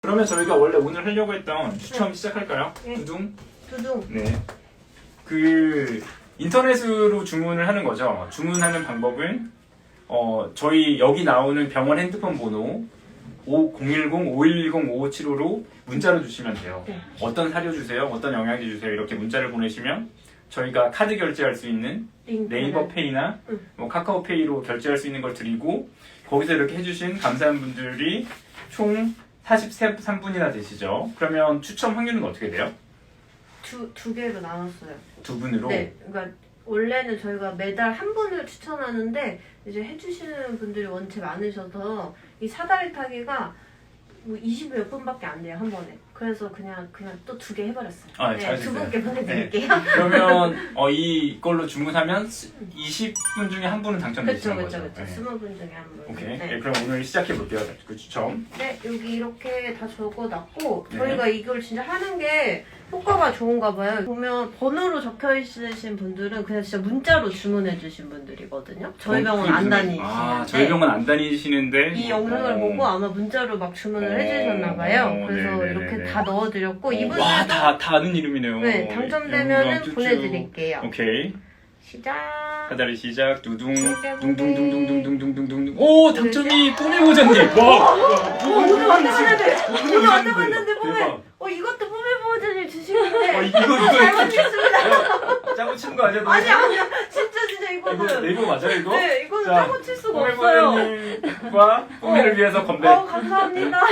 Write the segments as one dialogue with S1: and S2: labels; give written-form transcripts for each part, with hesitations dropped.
S1: 그러면 저희가 원래 오늘 하려고 했던 추첨 시작할까요?
S2: 네.
S1: 두둥.
S2: 네.
S1: 그 인터넷으로 주문을 하는 거죠. 주문하는 방법은 저희 여기 나오는 병원 핸드폰 번호 010-5110-5575로 문자로 주시면 돼요.
S2: 네.
S1: 어떤 사료 주세요, 어떤 영양제 주세요 이렇게 문자를 보내시면 저희가 카드 결제할 수 있는 네이버 페이나 뭐 카카오페이로 결제할 수 있는 걸 드리고 거기서 이렇게 해주신 감사한 분들이 총 43분이나 되시죠. 그러면 추첨 확률은 어떻게 돼요?
S2: 두 개로 나눴어요.
S1: 두 분으로?
S2: 네, 그러니까 원래는 저희가 매달 한 분을 추천하는데 이제 해주시는 분들이 원체 많으셔서 이 사다리 타기가 뭐 20여 몇 분밖에 안 돼요, 한 번에. 그래서 그냥 또 두 개 해버렸어요.
S1: 아,
S2: 네,
S1: 잘
S2: 두
S1: 됐어요.
S2: 분께 보내드릴게요.
S1: 그러면 이걸로 주문하면 20분 중에 한 분은 당첨되시는
S2: 그렇죠,
S1: 거죠?
S2: 그렇죠. 20분 중에 한 분.
S1: 오케이.
S2: 네.
S1: 네, 그럼 오늘 시작해 볼게요. 그 추첨.
S2: 네, 여기 이렇게 다 적어놨고
S1: 네.
S2: 저희가 이걸 진짜 하는 게 효과가 좋은가 봐요. 보면 번호로 적혀 있으신 분들은 그냥 진짜 문자로 주문해 주신 분들이거든요. 저희 병원 안 다니시는데
S1: 저희 병원 안 다니시는데
S2: 이 영상을 보고 아마 문자로 막 주문을 해주셨나 봐요. 그래서
S1: 네네네네.
S2: 이렇게 다 넣어드렸고 이분들도
S1: 와, 다 아는 이름이네요.
S2: 네, 당첨되면은
S1: 쭈쭈.
S2: 보내드릴게요.
S1: 오케이.
S2: 시작.
S1: 사다리 시작. 두둥.
S2: 네.
S1: 둥둥둥둥둥둥둥둥둥. 오, 당첨이 뽀메모자님. 와.
S2: 오늘 왔다 갔는데 오늘 왔다
S1: 대박.
S2: 갔는데 뽀메 이것도 뽀메 버전을 주시는데
S1: 이거
S2: 잘못했습니다.
S1: 짜고 치는 거 아니야?
S2: 아니야 진짜
S1: 이거
S2: 이거는
S1: 네이버 맞아요, 이거?
S2: 네 이거는
S1: 자,
S2: 짜고 칠 수가 없어요.
S1: 뽀메모자님과 뽀메를 위해서 건배.
S2: 감사합니다.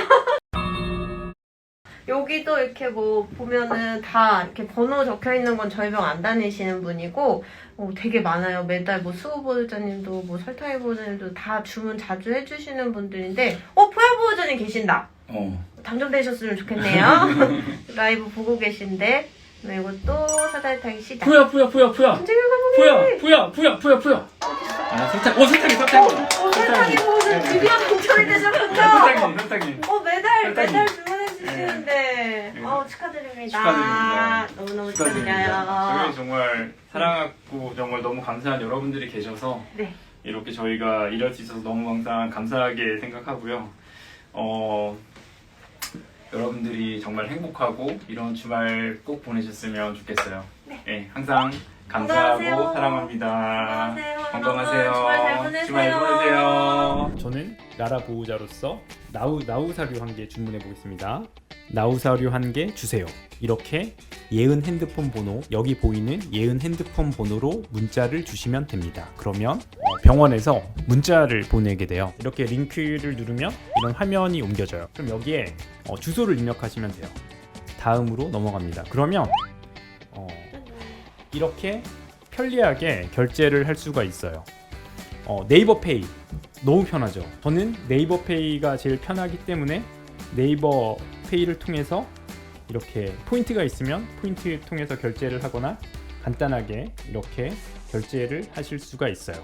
S2: 여기도 이렇게 뭐 보면은 다 이렇게 번호 적혀 있는 건 저희 병 안 다니시는 분이고 되게 많아요. 매달 뭐 수호 보호자님도 뭐 설탕이 보호자님도 다 주문 자주 해주시는 분들인데 포야 보호자님 계신다. 당첨되셨으면 좋겠네요. 라이브 보고 계신데 이것도 사다리 타기 시작.
S1: 푸야.
S2: 언제가 가보게.
S1: 푸야. 아, 설탕. 설탕이.
S2: 설탕이 보호자 드디어 당첨이 되셨군요.
S1: 설탕이.
S2: 매달 주문해 주시는데 축하드립니다. 너무너무 축하드려요.
S1: 저희 정말 사랑하고 정말 너무 감사한 여러분들이 계셔서
S2: 네.
S1: 이렇게 저희가 이럴 수 있어서 너무 항상 감사하게 생각하고요. 여러분들이 정말 행복하고 이런 주말 꼭 보내셨으면 좋겠어요.
S2: 네.
S1: 항상 감사하고
S2: 건강하세요.
S1: 사랑합니다.
S2: 건강하세요.
S1: 주말 잘 보내세요. 저는 나라 보호자로서 나우 사료 한 개 주문해 보겠습니다. 나우 사료 한 개 주세요. 이렇게 예은 핸드폰 번호, 여기 보이는 예은 핸드폰 번호로 문자를 주시면 됩니다. 그러면 병원에서 문자를 보내게 돼요. 이렇게 링크를 누르면 이런 화면이 옮겨져요. 그럼 여기에 주소를 입력하시면 돼요. 다음으로 넘어갑니다. 그러면 이렇게 편리하게 결제를 할 수가 있어요. 네이버 페이 너무 편하죠. 저는 네이버 페이가 제일 편하기 때문에 네이버 페이를 통해서 이렇게 포인트가 있으면 포인트 통해서 결제를 하거나 간단하게 이렇게 결제를 하실 수가 있어요.